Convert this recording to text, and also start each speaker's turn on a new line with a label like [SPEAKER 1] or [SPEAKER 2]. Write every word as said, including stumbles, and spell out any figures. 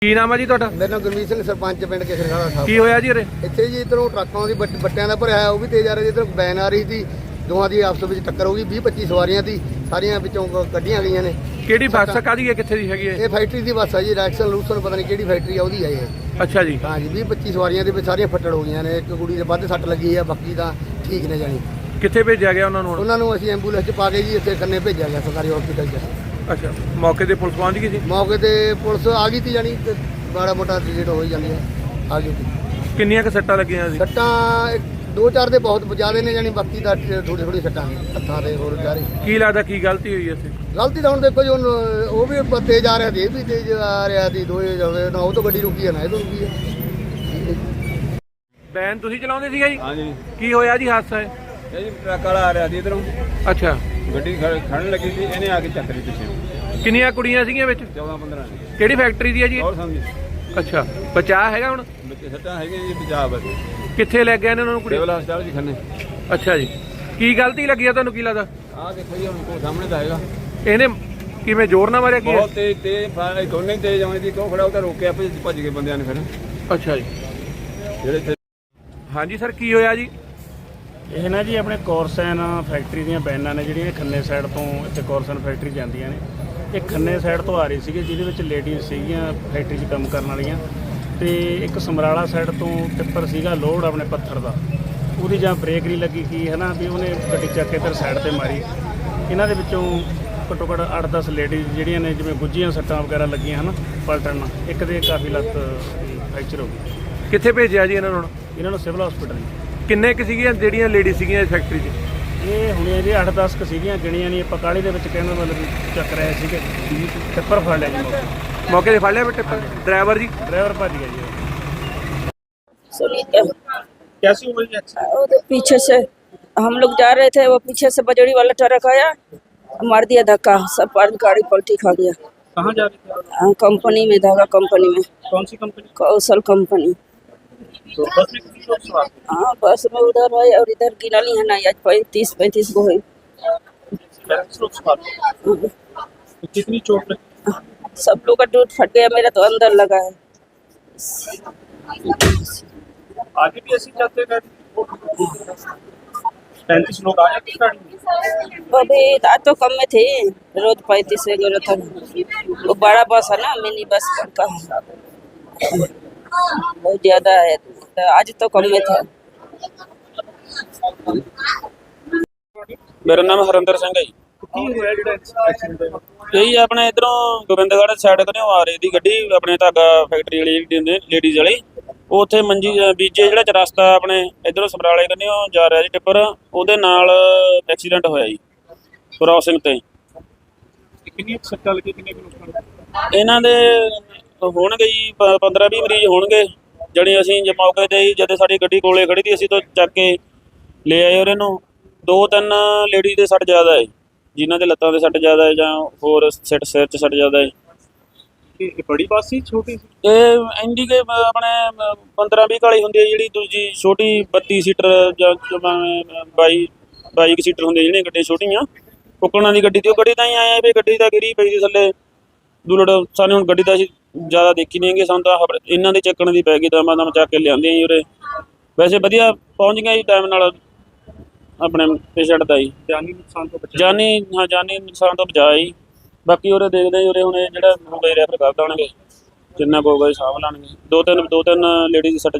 [SPEAKER 1] ਕੀ ਨਾਮ ਹੈ ਜੀ ਤੁਹਾਡਾ?
[SPEAKER 2] मेरा नाम गुरमीत सिंह सरपंच पिंड केसरखाड़ा साहब।
[SPEAKER 1] ਕੀ ਹੋਇਆ ਜੀ ਉਰੇ?
[SPEAKER 2] ਇੱਥੇ ਜੀ ਇੱਧਰੋਂ ਟਰੱਕਾਂ ਦੀ ਬੱਟ- ਬੱਟਿਆਂ ਦਾ ਭਰਿਆ ਉਹ ਵੀ ਤੇਜ਼ ਆ ਰਿਹਾ, ਜਿੱਧਰ ਵੈਨ ਆ ਰਹੀ ਸੀ, ਦੋਵਾਂ ਦੀ ਆਪਸ ਵਿੱਚ ਟੱਕਰ ਹੋ ਗਈ। ਵੀਹ ਪੱਚੀ ਸਵਾਰੀਆਂ ਸੀ, ਸਾਰੀਆਂ ਵਿੱਚੋਂ ਕ- ਕੱਢੀਆਂ ਗਈਆਂ ਨੇ।
[SPEAKER 1] ਕਿਹੜੀ ਬੱਸ ਕਾਹਦੀ ਹੈ, ਕਿੱਥੇ ਦੀ ਹੈਗੀ ਹੈ?
[SPEAKER 2] ਇਹ ਫੈਕਟਰੀ ਦੀ ਬੱਸ ਆ ਜੀ, ਰੈਕਸਨ ਲੂਸਨ ਪਤਾ ਨਹੀਂ ਕਿਹੜੀ ਫੈਕਟਰੀ ਆ ਉਹਦੀ ਆ ਇਹ।
[SPEAKER 1] ਅੱਛਾ ਜੀ।
[SPEAKER 2] ਹਾਂ ਜੀ, ਵੀਹ ਪੱਚੀ ਸਵਾਰੀਆਂ ਦੇ ਵਿੱਚ ਸਾਰੀਆਂ ਫੱਟੜ ਹੋ ਗਈਆਂ ਨੇ। ਇੱਕ ਕੁੜੀ ਦੇ ਵੱਧ ਸੱਟ ਲੱਗੀ ਆ, ਬਾਕੀ ਤਾਂ ਠੀਕ ਨੇ ਜਾਣੀ।
[SPEAKER 1] ਕਿੱਥੇ ਭੇਜਿਆ ਗਿਆ ਉਹਨਾਂ ਨੂੰ ਹੁਣ?
[SPEAKER 2] ਉਹਨਾਂ ਨੂੰ ਅਸੀਂ ਐਂਬੂਲੈਂਸ 'ਚ ਪਾ ਕੇ ਜੀ ਇੱਥੇ ਕੰਨੇ ਭੇਜਿਆ ਗਿਆ ਸਰਕਾਰੀ ਹਸਪੀਟਲ 'ਚ।
[SPEAKER 1] ਅੱਛਾ, ਮੌਕੇ ਤੇ ਪੁਲਿਸ ਪਹੁੰਚ ਗਈ ਸੀ?
[SPEAKER 2] ਮੌਕੇ ਤੇ ਪੁਲਿਸ ਆ ਗਈ ਸੀ ਜਾਣੀ, ਤੇ ਮਾੜਾ ਮੋਟਾ ਡਿਲੀਟ ਹੋ ਹੀ ਜਾਂਦੀ ਹੈ, ਆ ਗਈ ਸੀ।
[SPEAKER 1] ਕਿੰਨੀਆਂ ਕੁ ਸੱਟਾਂ ਲੱਗੀਆਂ ਸੀ?
[SPEAKER 2] ਸੱਟਾਂ ਇੱਕ- ਦੋ ਚਾਰ ਦੇ ਬਹੁਤ ਜ਼ਿਆਦਾ ਨੇ ਜਾਣੀ, ਬਾਕੀ ਦਾ ਥੋੜੀ ਥੋੜੀ ਸੱਟਾਂ ਨੇ ਹੱਥਾਂ ਦੇ ਹੋਰ ਜਾਰੀ।
[SPEAKER 1] ਕੀ ਲੱਗਦਾ ਕੀ ਗਲਤੀ ਹੋਈ ਇੱਥੇ?
[SPEAKER 2] ਗਲਤੀ ਤਾਂ ਹੁਣ ਦੇਖੋ ਜੀ, ਹੁਣ ਉਹ ਵੀ ਪ- ਤੇਜ਼ ਆ ਰਿਹਾ ਸੀ, ਇਹ ਵੀ ਤੇਜ਼ ਆ ਰਿਹਾ ਸੀ, ਦੋਏ ਜਾਵੇ ਨਾ ਉਹ ਤੋਂ ਗੱਡੀ ਰੁਕੀ ਹੈ ਨਾ ਇਹ ਤੋਂ ਰੁਕੀ ਹੈ।
[SPEAKER 1] ਵੈਨ ਤੁਸੀਂ ਚਲਾਉਂਦੇ ਸੀਗਾ ਜੀ?
[SPEAKER 3] हाँ जी,
[SPEAKER 1] ਕੀ ਹੋਇਆ ਜੀ ਹਾਦਸਾ ਹੈ?
[SPEAKER 3] ये जी ट्रक वाला आ रहा थी इधरों,
[SPEAKER 1] ਅੱਛਾ,
[SPEAKER 3] गड्डी खड़न लगी थी, इन्हें आके चक्करी पीछे
[SPEAKER 1] ਕਿੰਨੀਆਂ ਕੁੜੀਆਂ ਸੀਗੀਆਂ ਵਿੱਚ?
[SPEAKER 3] चौदह पंद्रह ने।
[SPEAKER 1] ਕਿਹੜੀ ਫੈਕਟਰੀ ਦੀ ਹੈ ਜੀ ਇਹ?
[SPEAKER 3] और समझी
[SPEAKER 1] ਅੱਛਾ, ਬਚਾਅ ਹੈਗਾ ਹੁਣ?
[SPEAKER 3] बच्चे सट्टा है जी बचा बस।
[SPEAKER 1] ਕਿੱਥੇ ਲੈ ਗਏ ਨੇ ਉਹਨਾਂ ਨੂੰ ਕੁੜੀ?
[SPEAKER 3] सिविल हॉस्पिटल जी खन्ने
[SPEAKER 1] ਅੱਛਾ ਜੀ। ਕੀ ਗਲਤੀ ਲੱਗੀ ਆ ਤੁਹਾਨੂੰ, ਕੀ ਲੱਗਦਾ?
[SPEAKER 3] आ देखो जी उनको सामने तो आएगा
[SPEAKER 1] ਇਹਨੇ ਕਿਵੇਂ ਜ਼ੋਰ ਨਾਲ ਮਾਰਿਆ ਕੀ?
[SPEAKER 3] बहुत तेज तेज फायर दोनों ही तेज आने थी, क्यों खड़ा होता रोके आपे भज गए बंदे ने। फिर
[SPEAKER 1] ਅੱਛਾ ਜੀ।
[SPEAKER 3] जेड़े
[SPEAKER 1] ਹਾਂਜੀ ਸਰ, ਕੀ ਹੋਇਆ ਜੀ?
[SPEAKER 4] ਇਹ ਨਾ ਜੀ ਆਪਣੇ ਕੋਰਸਨ ਫੈਕਟਰੀ ਦੀਆਂ ਬੈਨਾਂ ਨੇ ਜਿਹੜੀਆਂ ਖੰਨੇ ਸਾਈਡ ਤੋਂ ਇੱਥੇ ਕੋਰਸਨ ਫੈਕਟਰੀ ਜਾਂਦੀਆਂ ਨੇ। ਇਹ ਖੰਨੇ ਸਾਈਡ ਤੋਂ ਆ ਰਹੀ ਸੀਗੀ, ਜਿਹਦੇ ਵਿੱਚ ਲੇਡੀਜ਼ ਸੀਗੀਆਂ ਫੈਕਟਰੀ 'ਚ ਕੰਮ ਕਰਨ ਵਾਲੀਆਂ, ਤੇ ਇੱਕ ਸਮਰਾਲਾ ਸਾਈਡ ਤੋਂ ਟਿੱਪਰ ਸੀਗਾ ਲੋਡ ਆਪਣੇ ਪੱਥਰ ਦਾ, ਉਹਦੀ ਜਾਂ ਬ੍ਰੇਕ ਨਹੀਂ ਲੱਗੀ ਕੀ ਹੈ ਨਾ, ਵੀ ਉਹਨੇ ਗੱਡੀ ਚੱਕ ਕੇ ਇੱਧਰ ਸਾਈਡ ਤੇ ਮਾਰੀ। ਇਹਨਾਂ ਦੇ ਵਿੱਚੋਂ ਘੱਟੋ ਘੱਟ ਅੱਠ ਦਸ ਲੇਡੀਜ਼ ਜਿਹੜੀਆਂ ਨੇ ਜਿਵੇਂ ਗੁੱਝੀਆਂ ਸੱਟਾਂ ਵਗੈਰਾ ਲੱਗੀਆਂ ਹਨ ਪਲਟਣ ਨਾਲ, ਇੱਕ ਦੇ ਕਾਫੀ ਲੱਤ ਫ੍ਰੈਕਚਰ ਹੋ ਗਈ।
[SPEAKER 1] ਕਿੱਥੇ ਭੇਜਿਆ ਜੀ ਇਹਨਾਂ ਨੂੰ ਹੁਣ?
[SPEAKER 4] ਇਹਨਾਂ ਨੂੰ ਸਿਵਲ ਹਸਪੀਟਲ
[SPEAKER 1] ਕਿੰਨੇ ਕੁ ਸੀਗੀਆਂ ਜਿਹੜੀਆਂ ਲੇਡੀ ਸੀਗੀਆਂ ਇਸ ਫੈਕਟਰੀ 'ਚ?
[SPEAKER 4] ਇਹ ਹੁਣ ਇਹਦੇ ਅੱਠ ਦਸ ਕੁ ਸੀਗੀਆਂ, ਗਿਣੀਆਂ ਨਹੀਂ ਆਪਾਂ ਕਾਹਲੀ ਦੇ ਵਿੱਚ ਕਹਿੰਦਾ ਮਤਲਬ ਵੀ ਚੱਕ ਰਹੇ ਸੀਗੇ। ਟਿੱਪਰ ਫੜ ਲਿਆ ਜੀ ਮੌਕੇ
[SPEAKER 1] ਮੌਕੇ ਤੇ ਫੜ ਲਿਆ ਬੇਟੇ? ਡਰਾਈਵਰ ਜੀ?
[SPEAKER 4] ਡਰਾਈਵਰ ਭੱਜ ਗਿਆ ਜੀ।
[SPEAKER 5] सुनिए,
[SPEAKER 4] कैसी हुई
[SPEAKER 5] वो तो पीछे से हम लोग जा रहे थे, वो पीछे से बजड़ी वाला ट्रक आया, मार दिया धक्का, सब पर गाड़ी पलटी खा गया।
[SPEAKER 4] कहाँ जा रही थी?
[SPEAKER 5] हाँ, कंपनी में, धागा कंपनी में,
[SPEAKER 4] कौन सी कंपनी?
[SPEAKER 5] कौशल कंपनी।
[SPEAKER 4] तो बस में कितनी लोग सवार थे?
[SPEAKER 5] हाँ, बस में उधर है और इधर गिनली है ना, आज पैंतीस पैंतीस गो है।
[SPEAKER 4] पैंतीस लोग सवार थे। तो कितनी चोट लगी?
[SPEAKER 5] सब लोग का टूट फट गया, मेरा तो अंदर लगा है।
[SPEAKER 4] आगे भी ऐसे जाते गए? पैंतीस लोग आए थे गाड़ी में?
[SPEAKER 5] अभी आज तो कम में थे, रोज पैंतीस वगैरह था। वो बड़ा बस है ना, मिनी बस का बहुत ज्यादा है, तो आज तो कम में था।
[SPEAKER 6] ਮੇਰਾ ਨਾਮ ਹਰਿੰਦਰ ਸਿੰਘ ਹੈ ਜੀ।
[SPEAKER 4] ਕੀ ਹੋਇਆ ਜਿਹੜਾ ਐਕਸੀਡੈਂਟ ਹੋਇਆ?
[SPEAKER 6] ਇਹੀ ਆਪਣੇ ਇਧਰੋਂ ਗੋਬਿੰਦਗੜ੍ਹ ਸਾਈਡ ਤੋਂ ਆ ਰਹੀ ਦੀ ਗੱਡੀ, ਆਪਣੇ ਧਾਗਾ ਫੈਕਟਰੀ ਵਾਲੀ ਜਿਹੜੀ ਲੇਡੀਜ਼ ਵਾਲੀ, ਉਹ ਉੱਥੇ ਮੰਜੀ ਬੀਜੇ ਜਿਹੜਾ ਚ ਰਸਤਾ ਆਪਣੇ ਇਧਰੋਂ ਸਮਰਾਲੇ ਕੰਨਿਓ ਜਾ ਰਿਹਾ ਜੀ ਟਿੱਪਰ, ਉਹਦੇ ਨਾਲ ਐਕਸੀਡੈਂਟ ਹੋਇਆ ਜੀ ਕ੍ਰਾਸਿੰਗ ਤੇ।
[SPEAKER 4] ਕਿੰਨੀ ਸੱਟਾਂ ਲੱਗੀ, ਕਿੰਨੇ ਕੁ ਲੋਕਾਂ ਨੂੰ?
[SPEAKER 6] ਇਹਨਾਂ ਦੇ ਹੋਣਗੇ ਜੀ ਪੰਦਰਾਂ ਵੀਹ ਮਰੀਜ਼ ਹੋਣਗੇ। ਜਣੀ ਅਸੀਂ ਜੇ ਮੌਕੇ ਤੇ ਹੀ ਜਦੋਂ ਸਾਡੀ ਗੱਡੀ ਕੋਲੇ ਖੜੀ ਸੀ, ਅਸੀਂ ਤੋਂ ਚੱਕ ਕੇ ਲੈ ਆਏ ਉਹਨਾਂ ਨੂੰ। ਦੋ ਤਿੰਨ ਲੇਡੀਜ਼ ਦੇ ਸੱਟ ਜ਼ਿਆਦਾ ਹੈ, ਜਿਨ੍ਹਾਂ ਦੇ ਲੱਤਾਂ ਦੇ ਸੱਟ ਜ਼ਿਆਦਾ ਹੈ ਜਾਂ ਹੋਰ ਸਿਰ ਸਿਰ 'ਚ ਸੱਟ ਜ਼ਿਆਦਾ ਹੈ।
[SPEAKER 4] ਇਹ ਬੜੀ ਬੱਸ ਸੀ ਛੋਟੀ ਸੀ?
[SPEAKER 6] ਇਹ ਇੰਡੀਕੇ ਆਪਣੇ ਪੰਦਰਾਂ ਵੀਹ ਕਾਲੀ ਹੁੰਦੀ ਹੈ, ਜਿਹੜੀ ਦੂਜੀ ਛੋਟੀ ਬੱਤੀ ਸੀਟਰ ਜਾਂ ਬਾਈ ਬਾਈ ਕੁ ਸੀਟਰ ਹੁੰਦੀ ਜਿਹੜੀਆਂ ਗੱਡੀਆਂ ਛੋਟੀਆਂ ਕੁੱਕੜਾਂ ਦੀ ਗੱਡੀ ਤੇ। ਉਹ ਗੱਡੀ ਤਾਂ ਹੀ ਆਏ ਵੀ ਗੱਡੀ ਤਾਂ ਗਿਰੀ ਪਈ ਸੀ ਥੱਲੇ ਦੁਲੜ। ਸਾਨੂੰ ਹੁਣ ਗੱਡੀ ਤਾਂ ਅਸੀਂ ਜ਼ਿਆਦਾ ਦੇਖੀ ਨਹੀਂ ਹੈਗੀ, ਸਾਨੂੰ ਤਾਂ ਇਹਨਾਂ ਦੇ ਚੱਕਣ ਦੀ ਪੈ ਗਈ, ਤਾਂ ਮੈਂ ਤਾਂ ਚੱਕ ਕੇ ਲਿਆਂਦੇ ਜੀ ਉਰੇ। ਵੈਸੇ ਵਧੀਆ ਪਹੁੰਚ ਗਿਆ ਜੀ ਟਾਈਮ ਨਾਲ ਆਪਣੇ ਪੇਸ਼ੈਂਟ ਦਾ ਜੀ।
[SPEAKER 4] ਜਾਨੀ ਨੁਕਸਾਨ ਤੋਂ ਬਚਾ?
[SPEAKER 6] ਜਾਨੀ ਹਾਂ, ਜਾਨੀ ਨੁਕਸਾਨ ਤੋਂ ਬਚਾਅ ਜੀ। ਬਾਕੀ ਉਰੇ ਦੇਖਦੇ ਜੀ, ਉਰੇ ਹੁਣ ਇਹ ਜਿਹੜਾ ਹੋਊਗਾ ਰੈਫਰ ਕਰ ਦੇਣਗੇ, ਜਿੰਨਾ ਕੁ ਹੋਊਗਾ ਸਾਂਭ ਲੈਣਗੇ। ਦੋ ਤਿੰਨ ਦੋ ਤਿੰਨ ਲੇਡੀਜ਼ ਦੀ ਸੱਟ